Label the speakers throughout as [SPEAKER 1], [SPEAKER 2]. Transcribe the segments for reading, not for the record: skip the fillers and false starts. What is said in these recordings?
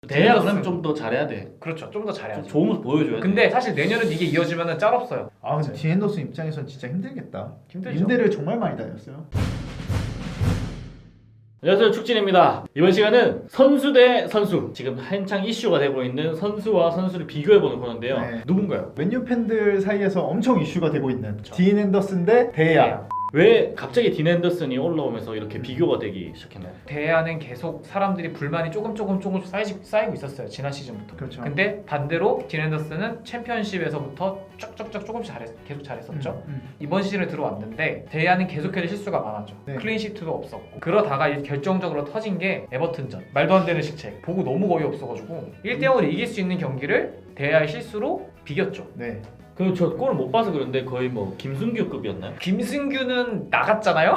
[SPEAKER 1] 대야 그러면 좀 더 잘해야 돼.
[SPEAKER 2] 그렇죠. 좀 더 잘해야죠.
[SPEAKER 1] 좋은 모습 보여줘야 돼.
[SPEAKER 2] 근데 사실 내년은 이게 이어지면은 짤없어요.
[SPEAKER 3] 아 근데 디앤더슨 입장에선 진짜 힘들겠다.
[SPEAKER 2] 힘들죠.
[SPEAKER 3] 임대를 정말 많이 다녔어요.
[SPEAKER 1] 안녕하세요, 축진입니다. 이번 시간은 선수 대 선수, 지금 한창 이슈가 되고 있는 선수와 선수를 비교해보는 코너인데요.
[SPEAKER 3] 네.
[SPEAKER 1] 누군가요?
[SPEAKER 3] 맨유 팬들 사이에서 엄청 이슈가 되고 있는 디앤 앤더슨 대 데야.
[SPEAKER 1] 왜 갑자기 딘 앤더슨이 올라오면서 이렇게 비교가 되기 시작했나요?
[SPEAKER 2] 대야는 계속 사람들이 불만이 조금씩 쌓이고 있었어요. 지난 시즌부터.
[SPEAKER 3] 그렇죠.
[SPEAKER 2] 근데 반대로 딘 앤더슨은 챔피언십에서부터 쭉쭉쭉 조금씩 계속 잘했었죠. 이번 시즌에 들어왔는데 대야는 계속해서 실수가 많았죠.
[SPEAKER 3] 네.
[SPEAKER 2] 클린시트도 없었고 그러다가 이제 결정적으로 터진 게 에버튼전. 말도 안 되는 실책. 보고 너무 거의 없어가지고 1대0으로 이길 수 있는 경기를 대야의 실수로 비겼죠.
[SPEAKER 3] 네.
[SPEAKER 1] 그 저 골을 못 봐서 그런데 거의 뭐 김승규급이었나요?
[SPEAKER 2] 김승규는 나갔잖아요.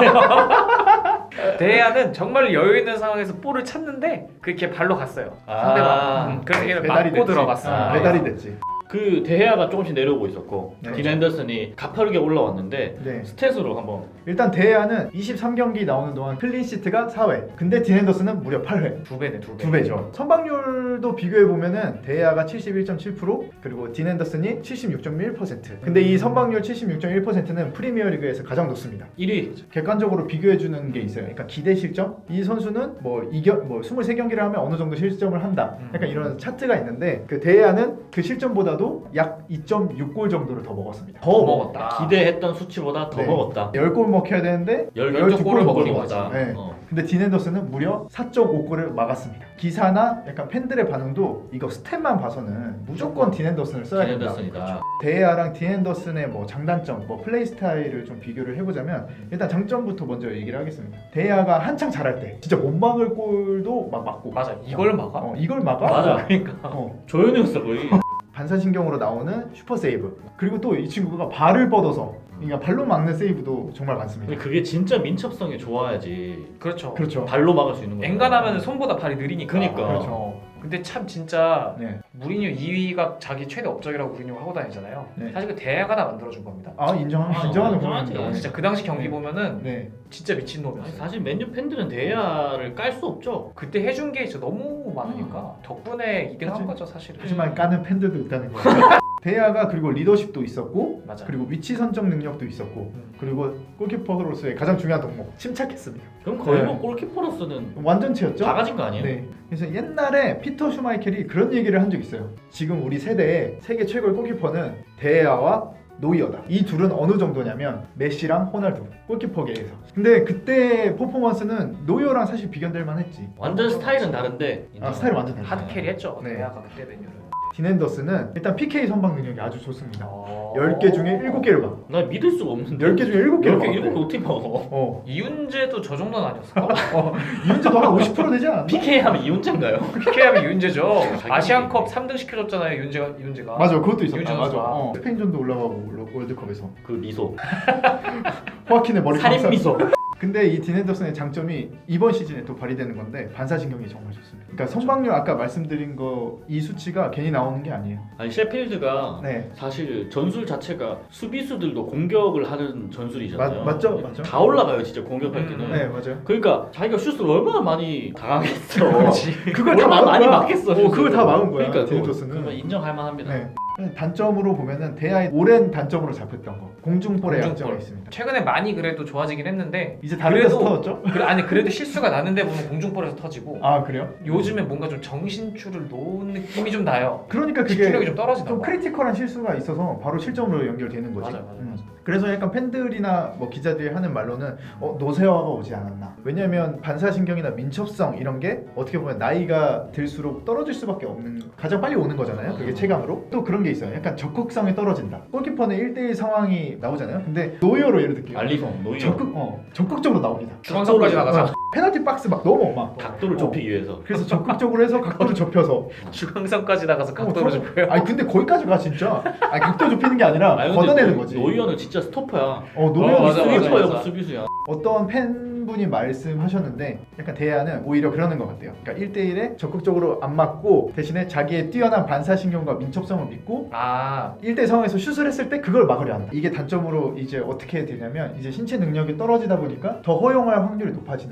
[SPEAKER 2] 대야는 정말 여유 있는 상황에서 볼을 찾는데 그렇게 발로 갔어요. 상대방. 그래서 걔를
[SPEAKER 3] 배달이
[SPEAKER 2] 맞고
[SPEAKER 3] 됐지.
[SPEAKER 2] 들어갔어요.
[SPEAKER 3] 배달이 됐지.
[SPEAKER 1] 그 대야가 조금씩 내려오고 있었고
[SPEAKER 3] 네.
[SPEAKER 1] 딘 앤더슨이 가파르게 올라왔는데
[SPEAKER 3] 네.
[SPEAKER 1] 스탯으로 한번
[SPEAKER 3] 일단 데야는 23경기 나오는 동안 클린시트가 4회. 근데 디앤 앤더슨은 무려 8회.
[SPEAKER 2] 두 배네, 두 배.
[SPEAKER 3] 2배죠. 선방률도 비교해 보면은 데야가 71.7% 그리고 딘 앤더슨이 76.1%. 근데 이 선방률 76.1%는 프리미어리그에서 가장 높습니다.
[SPEAKER 1] 1위.
[SPEAKER 3] 객관적으로 비교해 주는 게 있어요. 그러니까 기대 실점. 이 선수는 뭐 23경기를 하면 어느 정도 실점을 한다. 약간 이런 차트가 있는데 그 데야는 그 실점보다도 약 2.6골 정도를 더 먹었습니다.
[SPEAKER 2] 더 먹었다.
[SPEAKER 1] 기대했던 수치보다 더
[SPEAKER 3] 네.
[SPEAKER 1] 먹었다.
[SPEAKER 3] 10골 먹혀야 되는데
[SPEAKER 1] 12골을 먹은
[SPEAKER 3] 먹은
[SPEAKER 1] 거다.
[SPEAKER 3] 네. 근데 딘 앤더슨은 무려 4.5골을 막았습니다. 기사나 약간 팬들의 반응도 이거 스탯만 봐서는 무조건 딘 앤더슨을 써야
[SPEAKER 1] 딘
[SPEAKER 3] 된다.
[SPEAKER 1] 앤더슨이다.
[SPEAKER 3] 데야랑 딘 앤더슨의 뭐 장단점, 뭐 플레이 스타일을 좀 비교를 해보자면 일단 장점부터 먼저 얘기를 하겠습니다. 데야가 한창 잘할 때 진짜 못 막을 골도 막 막고
[SPEAKER 2] 맞아. 이걸 막아?
[SPEAKER 3] 이걸 막아?
[SPEAKER 1] 맞아.
[SPEAKER 2] 그러니까.
[SPEAKER 1] 조현우였어 거의.
[SPEAKER 3] 반사신경으로 나오는 슈퍼 세이브. 그리고 또 이 친구가 발을 뻗어서 그러니까 발로 막는 세이브도 정말 많습니다.
[SPEAKER 1] 근데 그게 진짜 민첩성이 좋아야지
[SPEAKER 2] 그렇죠.
[SPEAKER 3] 그렇죠.
[SPEAKER 1] 발로 막을 수 있는 거야.
[SPEAKER 2] 엔간하면 손보다 발이 느리니까.
[SPEAKER 1] 그러니까.
[SPEAKER 3] 그렇죠.
[SPEAKER 2] 근데 참 진짜
[SPEAKER 3] 네.
[SPEAKER 2] 무리뉴 2위가 자기 최대 업적이라고 무리뉴가 하고 다니잖아요.
[SPEAKER 3] 네.
[SPEAKER 2] 사실 그 대야가 다 만들어준 겁니다.
[SPEAKER 3] 인정하는
[SPEAKER 1] 인정하지.
[SPEAKER 3] 부분입니다.
[SPEAKER 2] 진짜 그 당시 경기
[SPEAKER 3] 네.
[SPEAKER 2] 보면은
[SPEAKER 3] 네.
[SPEAKER 2] 진짜
[SPEAKER 1] 아니,
[SPEAKER 2] 미친놈이었어요.
[SPEAKER 1] 사실 맨유 팬들은 대야를 깔 수 없죠.
[SPEAKER 2] 그때 해준 게 진짜 너무 많으니까 덕분에 2등 한 거죠 사실은.
[SPEAKER 3] 하지만 까는 팬들도 있다는 거예요. 데야가 그리고 리더십도 있었고
[SPEAKER 2] 맞아.
[SPEAKER 3] 그리고 위치 선정 능력도 있었고 그리고 골키퍼로서의 가장 중요한 덕목 침착했습니다.
[SPEAKER 1] 그럼 거의
[SPEAKER 3] 네.
[SPEAKER 1] 뭐 골키퍼로서는
[SPEAKER 3] 완전체였죠?
[SPEAKER 1] 다 가진 거 아니에요?
[SPEAKER 3] 네. 그래서 옛날에 피터 슈마이켈이 그런 얘기를 한 적 있어요. 지금 우리 세대의 세계 최고의 골키퍼는 데야와 노이어다. 이 둘은 어느 정도냐면 메시랑 호날두 골키퍼계에서. 근데 그때 퍼포먼스는 노이어랑 사실 비견될 만했지.
[SPEAKER 1] 완전 스타일은 다른데
[SPEAKER 3] 스타일 완전 달라.
[SPEAKER 2] 하드캐리 했죠.
[SPEAKER 3] 네.
[SPEAKER 2] 대야가 그때 메뉴를.
[SPEAKER 3] 딘 앤더슨은 일단 PK 선방 능력이 아주 좋습니다.
[SPEAKER 2] 어...
[SPEAKER 3] 10개 중에 7개를 막.
[SPEAKER 1] 나 믿을 수가 없는데
[SPEAKER 3] 10개 중에 7개를 막.
[SPEAKER 1] 7개 어떻게 먹어?
[SPEAKER 2] 이윤재도 저 정도는 아니었을까?
[SPEAKER 3] 이윤재도 한 50% 되지 않았나?
[SPEAKER 1] PK 하면 이윤재인가요?
[SPEAKER 2] PK하면 이윤재죠.
[SPEAKER 1] 자기
[SPEAKER 2] 아시안컵 3등 시켜줬잖아요. 이윤재가.
[SPEAKER 3] 맞아, 그것도 있었다.
[SPEAKER 2] 이윤재
[SPEAKER 3] 맞아.
[SPEAKER 2] 선수가.
[SPEAKER 3] 스페인전도 올라가고 월드컵에서
[SPEAKER 1] 그 미소
[SPEAKER 3] 호아킨의 머리
[SPEAKER 1] 살인
[SPEAKER 3] 감싸-
[SPEAKER 1] 미소.
[SPEAKER 3] 근데 이 딘 앤더슨의 장점이 이번 시즌에 또 발휘되는 건데 반사신경이 정말 좋습니다. 그러니까 선방률 아까 말씀드린 거 이 수치가 괜히 나오는 게 아니에요.
[SPEAKER 1] 아니 셰필드가
[SPEAKER 3] 네.
[SPEAKER 1] 사실 전술 자체가 수비수들도 공격을 하는 전술이잖아요.
[SPEAKER 3] 맞죠?
[SPEAKER 1] 다 올라가요 진짜 공격할 때는.
[SPEAKER 3] 네, 맞아요.
[SPEAKER 1] 그러니까 자기가 슛을 얼마나 많이 당하겠어.
[SPEAKER 3] 그걸 다
[SPEAKER 1] 얼마나
[SPEAKER 3] 막은
[SPEAKER 1] 많이
[SPEAKER 3] 거야.
[SPEAKER 1] 막겠어.
[SPEAKER 3] 그걸 다 막은 거야.
[SPEAKER 1] 그러니까
[SPEAKER 3] 딘
[SPEAKER 1] 그거
[SPEAKER 3] 앤더슨은.
[SPEAKER 1] 그러면 인정할 만합니다.
[SPEAKER 3] 네. 단점으로 보면은 대야의 오랜 단점으로 잡혔던 거 공중볼의
[SPEAKER 2] 공중볼.
[SPEAKER 3] 약점이 있습니다.
[SPEAKER 2] 최근에 많이 그래도 좋아지긴 했는데
[SPEAKER 3] 이제 다른 데서
[SPEAKER 2] 그래도-
[SPEAKER 3] 터졌죠?
[SPEAKER 2] 그래도 실수가 나는데 보면 공중볼에서 터지고
[SPEAKER 3] 아 그래요?
[SPEAKER 2] 요즘에 뭔가 좀 정신줄을 놓은 느낌이 좀 나요.
[SPEAKER 3] 그러니까 그게
[SPEAKER 2] 집중력이 좀 떨어지나
[SPEAKER 3] 좀
[SPEAKER 2] 봐.
[SPEAKER 3] 크리티컬한 실수가 있어서 바로 실점으로 연결되는 거지.
[SPEAKER 2] 맞아요.
[SPEAKER 3] 그래서 약간 팬들이나 뭐 기자들이 하는 말로는 노쇠화가 오지 않았나. 왜냐면 반사신경이나 민첩성 이런 게 어떻게 보면 나이가 들수록 떨어질 수밖에 없는 가장 빨리 오는 거잖아요. 그게 체감으로. 또 그런 게 있어요. 약간 적극성이 떨어진다. 골키퍼는 1대1 상황이 나오잖아요. 근데 노이어로 예를 들게요.
[SPEAKER 1] 알리송, 노이어
[SPEAKER 3] 적극적으로 나옵니다.
[SPEAKER 2] 중앙선까지 나가서
[SPEAKER 3] 페널티 박스 막 넘어 막.
[SPEAKER 1] 각도를 좁히기 위해서.
[SPEAKER 3] 그래서 적극적으로 해서 각도를 좁혀서.
[SPEAKER 2] 중앙선까지 나가서 각도를 좁혀요.
[SPEAKER 3] 아니 근데 거기까지 가 진짜. 아니 각도 좁히는 게 아니라
[SPEAKER 1] 아니, 근데
[SPEAKER 3] 걷어내는 거지.
[SPEAKER 1] 노이어는 진짜 스토퍼야.
[SPEAKER 3] 노이어는
[SPEAKER 2] 맞아, 맞아,
[SPEAKER 1] 스위퍼야,
[SPEAKER 2] 맞아.
[SPEAKER 1] 수비수야.
[SPEAKER 3] 어떤 팬분이 말씀하셨는데 약간 대야는 오히려 그러는 것 같아요. 그러니까 1대1에 적극적으로 안 맞고 대신에 자기의 뛰어난 반사신경과 민첩성을 믿고 1대1 상황에서 슛을 했을 때 그걸 막으려 한다. 이게 단점으로 이제 어떻게 되냐면 이제 신체 능력이 떨어지다 보니까 더 허용할 확률이 높아지는 거죠.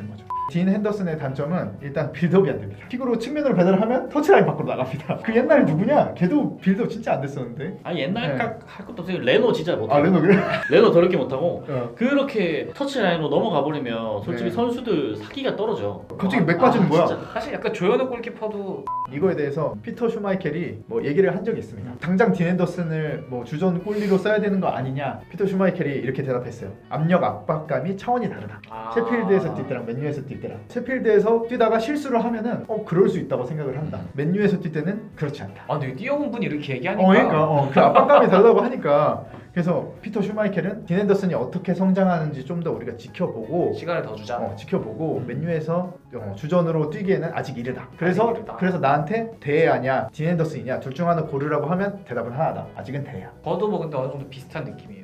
[SPEAKER 3] 딘 핸더슨의 단점은 일단 빌드업이 안 됩니다. 킥으로 측면으로 배달을 하면 터치라인 밖으로 나갑니다. 그 옛날에 누구냐? 걔도 빌드업 진짜 안 됐었는데.
[SPEAKER 1] 아 옛날
[SPEAKER 3] 네.
[SPEAKER 1] 할 것도 없어요. 레노 진짜 못하고.
[SPEAKER 3] 아 레노 그래?
[SPEAKER 1] 레노 더럽게 못하고.
[SPEAKER 3] 어.
[SPEAKER 1] 그렇게 터치라인으로 넘어가 버리면 솔직히
[SPEAKER 3] 네.
[SPEAKER 1] 선수들 사기가 떨어져.
[SPEAKER 3] 갑자기 맥 빠지는 거야.
[SPEAKER 1] 진짜.
[SPEAKER 2] 사실 약간 조현우 골키퍼도
[SPEAKER 3] 이거에 대해서 피터 슈마이켈이 뭐 얘기를 한 적이 있습니다. 당장 딘 핸더슨을 뭐 주전 골리로 써야 되는 거 아니냐? 피터 슈마이켈이 이렇게 대답했어요. 압력 압박감이 차원이 다르다. 셰필드에서 뛸 때랑 맨유에서 뛸 때랑. 셰필드에서 뛰다가 실수를 하면은 그럴 수 있다고 생각을 한다. 맨유에서 뛸 때는 그렇지 않다.
[SPEAKER 2] 아 근데 뛰어온 분이 이렇게 얘기하니까
[SPEAKER 3] 그러니까 그 압박감이 다르다고 하니까 그래서 피터 슈마이켈은 딘 핸더슨이 어떻게 성장하는지 좀 더 우리가 지켜보고
[SPEAKER 2] 시간을 더 주자.
[SPEAKER 3] 지켜보고 맨유에서 주전으로 뛰기에는 아직 이르다. 그래서
[SPEAKER 2] 아직 이르다.
[SPEAKER 3] 그래서 나한테 대야냐 딘 핸더슨이냐 둘 중 하나 고르라고 하면 대답은 하나다. 아직은 대야.
[SPEAKER 2] 저도 뭐 근데 어느 정도 비슷한 느낌이에요.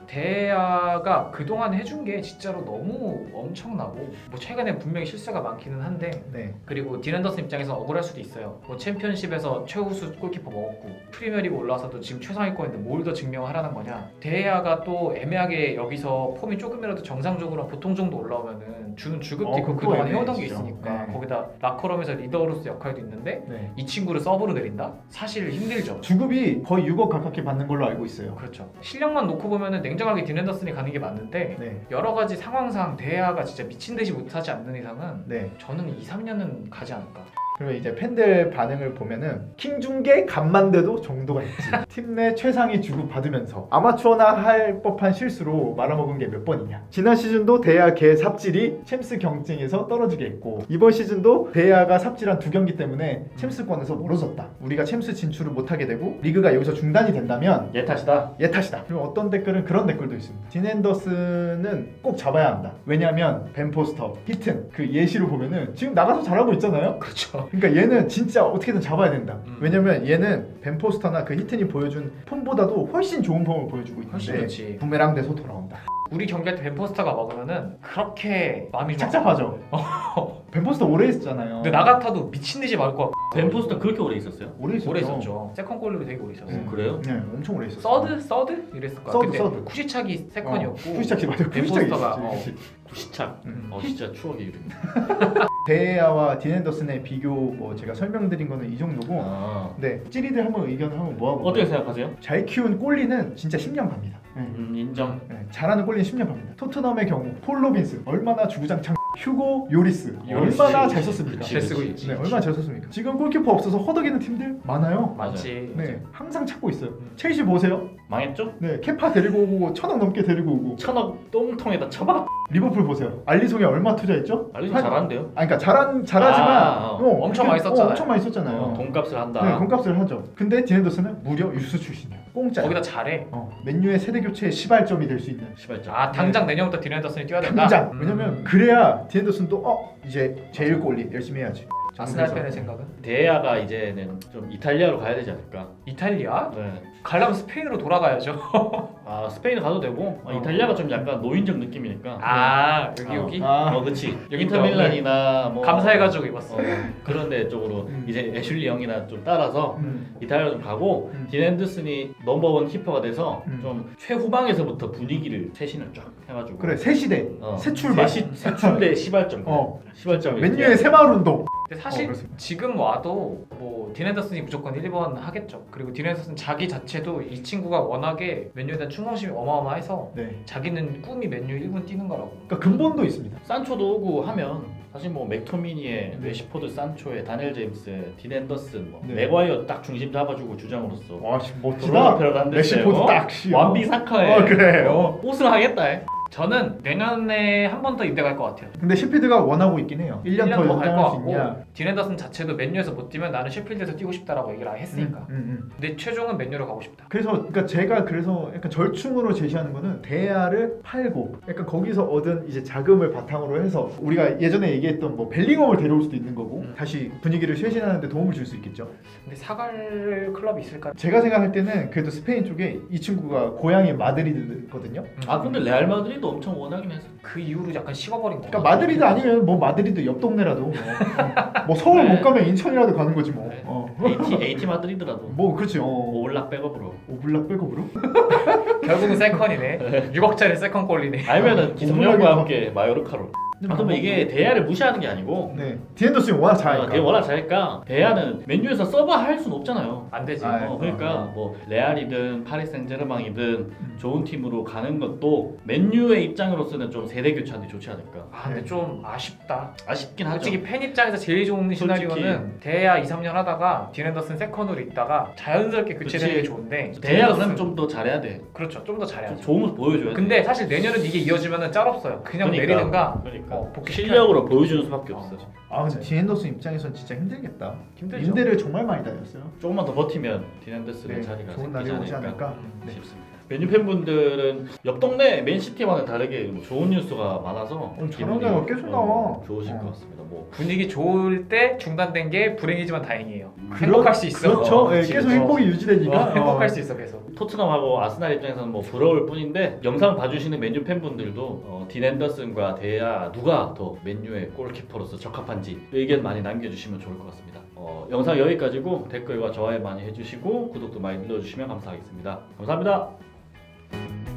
[SPEAKER 2] 대야가 그동안 해준 게 진짜로 너무 엄청나고 뭐 최근에 분명히 실수가 많기는 한데
[SPEAKER 3] 네.
[SPEAKER 2] 그리고 딘 핸더슨 입장에서 억울할 수도 있어요. 뭐 챔피언십에서 최우수 골키퍼 먹었고 프리미어리그 올라와서도 지금 최상위권인데 뭘 더 증명하라는 거냐. 대야가 또 애매하게 여기서 폼이 조금이라도 정상적으로 보통 정도 올라오면은 주는 주급도 있고
[SPEAKER 3] 그거
[SPEAKER 2] 그동안
[SPEAKER 3] 애매해,
[SPEAKER 2] 해오던 게
[SPEAKER 3] 진짜.
[SPEAKER 2] 있으니까
[SPEAKER 3] 네.
[SPEAKER 2] 거기다 라커룸에서 리더로서 역할도 있는데
[SPEAKER 3] 네.
[SPEAKER 2] 이 친구를 서브로 내린다? 사실 힘들죠.
[SPEAKER 3] 주급이 거의 6억 가깝게 받는 걸로 알고 있어요.
[SPEAKER 2] 그렇죠. 실력만 놓고 보면은 냉정하게 딘 핸더슨이 가는 게 맞는데
[SPEAKER 3] 네.
[SPEAKER 2] 여러 가지 상황상 대야가 진짜 미친 듯이 못하지 않는 이상은
[SPEAKER 3] 네.
[SPEAKER 2] 저는 2, 3년은 가지 않을까.
[SPEAKER 3] 그러면 이제 팬들 반응을 보면은 킹중계 간만 돼도 정도가 있지. 팀 내 최상위 주급 받으면서 아마추어나 할 법한 실수로 말아먹은 게 몇 번이냐. 지난 시즌도 대야 개 삽질이 챔스 경쟁에서 떨어지게 했고 이번 시즌도 대야가 삽질한 2경기 때문에 챔스권에서 멀어졌다. 우리가 챔스 진출을 못하게 되고 리그가 여기서 중단이 된다면
[SPEAKER 1] 얘 탓이다.
[SPEAKER 3] 얘 탓이다. 그리고 어떤 댓글은 그런 댓글도 있습니다. 딘 핸더슨은 꼭 잡아야 한다. 왜냐하면 벤 포스터, 히튼 그 예시로 보면은 지금 나가서 잘하고 있잖아요.
[SPEAKER 2] 그렇죠.
[SPEAKER 3] 그러니까 얘는 진짜 어떻게든 잡아야 된다.
[SPEAKER 2] 음.
[SPEAKER 3] 왜냐면 얘는 벤 포스터나 그 히튼이 보여준 폼보다도 훨씬 좋은 폼을 보여주고
[SPEAKER 2] 훨씬
[SPEAKER 3] 있는데
[SPEAKER 2] 좋지.
[SPEAKER 3] 부메랑 돼서 돌아온다.
[SPEAKER 2] 우리 경기할 때 벤포스터가 먹으면은 그렇게 마음이 좀
[SPEAKER 3] 착잡하죠. 벤 포스터 오래 있었잖아요.
[SPEAKER 2] 근데 나 같아도 미친 듯이 맞을 것 같고.
[SPEAKER 1] 벤포스터 그렇게 오래 있었어요?
[SPEAKER 3] 오래 있었죠.
[SPEAKER 2] 오래 있었죠. 세컨 골로 되게 오래 있었어.
[SPEAKER 1] 그래요?
[SPEAKER 3] 네, 엄청 오래 있었어.
[SPEAKER 2] 서드 이랬을 거야.
[SPEAKER 3] 서드,
[SPEAKER 2] 근데
[SPEAKER 3] 서드.
[SPEAKER 2] 쿠시착이 세컨이었고.
[SPEAKER 3] 쿠시착이 맞아.
[SPEAKER 2] 벤
[SPEAKER 3] 쿠시착이
[SPEAKER 2] 포스터가,
[SPEAKER 3] 있었지.
[SPEAKER 1] 구시착.
[SPEAKER 3] 음.
[SPEAKER 1] 진짜 추억의 이름.
[SPEAKER 3] 데야와 딘 핸더슨의 비교 뭐 제가 설명드린 거는 이 정도고.
[SPEAKER 1] 아.
[SPEAKER 3] 네, 찌리들 한번 의견을 한번 모아볼게요.
[SPEAKER 1] 어떻게 생각하세요?
[SPEAKER 3] 잘 키운 골리는 진짜 10년 갑니다. 네.
[SPEAKER 1] 인정.
[SPEAKER 3] 네, 잘하는 골리는 10년 갑니다. 토트넘의 경우 폴 로빈스 얼마나 주구장창, 휴고 요리스
[SPEAKER 2] 요리스.
[SPEAKER 3] 얼마나 잘 썼습니까?
[SPEAKER 1] 그치,
[SPEAKER 2] 잘 쓰고
[SPEAKER 1] 그치.
[SPEAKER 2] 있지.
[SPEAKER 3] 네, 얼마나 잘 썼습니까? 지금 골키퍼 없어서 허덕이는 팀들 많아요.
[SPEAKER 2] 맞지.
[SPEAKER 3] 네, 항상 찾고 있어요. 첼시 보세요.
[SPEAKER 1] 망했죠?
[SPEAKER 3] 네, 케파 데리고 오고 1,000억 넘게 데리고 오고.
[SPEAKER 1] 1,000억 똥통에다 쳐박.
[SPEAKER 3] 리버풀 보세요. 알리송이 얼마 투자했죠?
[SPEAKER 1] 알리송 잘하는데요?
[SPEAKER 3] 아니, 그러니까 잘하지만
[SPEAKER 1] 아,
[SPEAKER 2] 엄청 많이 썼잖아요.
[SPEAKER 3] 엄청 많이 썼잖아요.
[SPEAKER 1] 돈값을 한다.
[SPEAKER 3] 네, 돈값을 하죠. 근데 딘 핸더슨은 무려 유스 출신이야. 공짜.
[SPEAKER 2] 거기다 잘해.
[SPEAKER 3] 맨유의 세대 교체의 시발점이 될 수 있는.
[SPEAKER 1] 시발점.
[SPEAKER 2] 아 당장 내년부터 딘 핸더슨이 뛰어야 된다.
[SPEAKER 3] 당장.
[SPEAKER 2] 음.
[SPEAKER 3] 왜냐면 그래야 딘 핸더슨도 이제 제일 골리 열심히 해야지.
[SPEAKER 2] 아스날
[SPEAKER 3] 그래서-
[SPEAKER 2] 팬의 생각은?
[SPEAKER 1] 대야가 이제는 좀 이탈리아로 가야 되지 않을까?
[SPEAKER 2] 이탈리아?
[SPEAKER 1] 네.
[SPEAKER 2] 가려면 스페인으로 돌아가야죠.
[SPEAKER 1] 아 스페인 가도 되고 이탈리아가 좀 약간 노인적 느낌이니까.
[SPEAKER 2] 아 여기
[SPEAKER 1] 어.
[SPEAKER 2] 여기
[SPEAKER 1] 그렇지.
[SPEAKER 2] 여기
[SPEAKER 1] 인터밀란이나 뭐
[SPEAKER 2] 감사해가지고 입었어.
[SPEAKER 1] 그런데 쪽으로 이제 애슐리 영이나 좀 따라서
[SPEAKER 3] 음.
[SPEAKER 1] 이탈리아로 좀 가고 딘 핸더슨이 넘버원 키퍼가 돼서 좀 최후방에서부터 분위기를 쇄신을 쫙 해가지고.
[SPEAKER 3] 그래 새 시대 새 출발.
[SPEAKER 1] 새 출대 시발점. 시발점.
[SPEAKER 3] 맨유의 새마을 운동.
[SPEAKER 2] 근데 사실
[SPEAKER 3] 그렇습니다.
[SPEAKER 2] 지금 와도 뭐 딘 핸더슨이 무조건 1번 하겠죠. 그리고 딘 핸더슨 자기 자체도 이 친구가 워낙에 맨유에 대한 충성심이 어마어마해서
[SPEAKER 3] 네.
[SPEAKER 2] 자기는 꿈이 맨유 1군 뛰는 거라고.
[SPEAKER 3] 그러니까 근본도 있습니다.
[SPEAKER 1] 산초도 오고 하면 사실 뭐 맥토미니에
[SPEAKER 3] 네.
[SPEAKER 1] 레시포드, 산초에 다니엘 제임스, 딘 핸더슨, 뭐
[SPEAKER 3] 네.
[SPEAKER 1] 맥과이어 딱 중심 잡아주고 주장으로서
[SPEAKER 3] 와 멋지다.
[SPEAKER 1] 드로나페라도 안 됐어요.
[SPEAKER 3] 레시포드 딱 씨.
[SPEAKER 1] 완비 사카에
[SPEAKER 3] 그래.
[SPEAKER 1] 우승하겠다.
[SPEAKER 2] 저는 내년에 한 번 더 임대 갈 것 같아요.
[SPEAKER 3] 근데 셰필드가 원하고 있긴 해요. 1년 더
[SPEAKER 2] 더 갈 것
[SPEAKER 3] 연장할 수
[SPEAKER 2] 같고
[SPEAKER 3] 있냐?
[SPEAKER 2] 딘 핸더슨 자체도 맨유에서 못 뛰면 나는 셰필드에서 뛰고 싶다라고 얘기를 했으니까. 근데 최종은 맨유로 가고 싶다.
[SPEAKER 3] 그래서 그러니까 제가 그래서 약간 절충으로 제시하는 거는 대야를 팔고 약간 거기서 얻은 이제 자금을 바탕으로 해서 우리가 예전에 얘기했던 뭐 벨링엄을 데려올 수도 있는 거고 다시 분위기를 쇄신하는 데 도움을 줄 수 있겠죠.
[SPEAKER 2] 근데 사갈 클럽이 있을까?
[SPEAKER 3] 제가 생각할 때는 그래도 스페인 쪽에 이 친구가 고향이 마드리드거든요.
[SPEAKER 1] 아 근데 레알 마드리드 엄청 원하긴 했어.
[SPEAKER 2] 그 이후로 약간 식어버린 거.
[SPEAKER 3] 그러니까 마드리드 아니면 뭐 마드리드 옆 동네라도 뭐 서울
[SPEAKER 1] 네.
[SPEAKER 3] 못 가면 인천이라도 가는 거지 뭐.
[SPEAKER 1] 네. AT 마드리드라도
[SPEAKER 3] 뭐 그렇지.
[SPEAKER 1] 올락 백업으로.
[SPEAKER 3] 오블락 백업으로?
[SPEAKER 2] 결국은 세컨이네. 6억짜리 세컨 골리네.
[SPEAKER 1] 아니면은
[SPEAKER 3] 어,
[SPEAKER 1] 기성용과
[SPEAKER 3] 오블락이
[SPEAKER 1] 함께 마요르카로. 그러면 이게 대야를 무시하는 게 아니고
[SPEAKER 3] 네. 디앤더슨이 워낙 잘하니까.
[SPEAKER 1] 걔 워낙 잘하니까 대야는 맨유에서 서버 할 수는 없잖아요.
[SPEAKER 2] 안 되지.
[SPEAKER 3] 아,
[SPEAKER 1] 그러니까 뭐 레알이든 파리 생제르맹이든 좋은 팀으로 가는 것도 맨유의 입장으로서는 좀 세대 교체하는 게 좋지 않을까.
[SPEAKER 2] 아 근데 좀 아쉽다.
[SPEAKER 1] 아쉽긴 하죠.
[SPEAKER 2] 솔직히 팬 입장에서 제일 좋은 시나리오는 대야 2-3년 하다가 딘 앤더슨 세컨으로 있다가 자연스럽게 교체되는 게
[SPEAKER 1] 그치.
[SPEAKER 2] 좋은데
[SPEAKER 1] 대야 그러면 좀 더 잘해야 돼.
[SPEAKER 2] 그렇죠. 좀 더
[SPEAKER 1] 좀
[SPEAKER 2] 잘해야죠.
[SPEAKER 1] 좋은 모습 보여줘야 돼.
[SPEAKER 2] 근데 사실 내년은 이게 이어지면은 짤 없어요. 그냥
[SPEAKER 1] 그러니까,
[SPEAKER 2] 내리든가
[SPEAKER 1] 그러니까
[SPEAKER 2] 복귀시켜야
[SPEAKER 1] 실력으로 보여주는 수밖에
[SPEAKER 2] 어.
[SPEAKER 1] 없어.
[SPEAKER 3] 아 근데 디앤더슨 입장에선 진짜 힘들겠다.
[SPEAKER 2] 힘들죠.
[SPEAKER 3] 임대를 정말 많이 다녔어요.
[SPEAKER 1] 조금만 더 버티면 디앤더슨의
[SPEAKER 3] 네,
[SPEAKER 1] 자리가
[SPEAKER 3] 좋은
[SPEAKER 1] 생기지
[SPEAKER 3] 날이 오지
[SPEAKER 1] 않을까
[SPEAKER 3] 않을까. 네.
[SPEAKER 1] 싶습니다. 맨유 팬분들은 옆 동네 맨시티와는 다르게 뭐 좋은 뉴스가 많아서
[SPEAKER 3] 저런
[SPEAKER 1] 기분이,
[SPEAKER 3] 데가 계속 나와.
[SPEAKER 1] 좋으실 것 같습니다. 뭐
[SPEAKER 2] 분위기 좋을 때 중단된 게 불행이지만 다행이에요.
[SPEAKER 3] 그렇-
[SPEAKER 2] 행복할 수 있어.
[SPEAKER 3] 그렇죠. 예,
[SPEAKER 1] 그치,
[SPEAKER 3] 계속
[SPEAKER 1] 그쵸.
[SPEAKER 3] 행복이 유지되니까.
[SPEAKER 2] 행복할 수 있어 계속.
[SPEAKER 1] 토트넘하고 아스날 입장에서는 뭐 부러울 뿐인데 영상 봐주시는 맨유 팬분들도 딘 앤더슨과 대야 누가 더 맨유의 골키퍼로서 적합한지 의견 많이 남겨주시면 좋을 것 같습니다. 영상 여기까지고 댓글과 좋아요 많이 해주시고 구독도 많이 눌러주시면 감사하겠습니다. 감사합니다.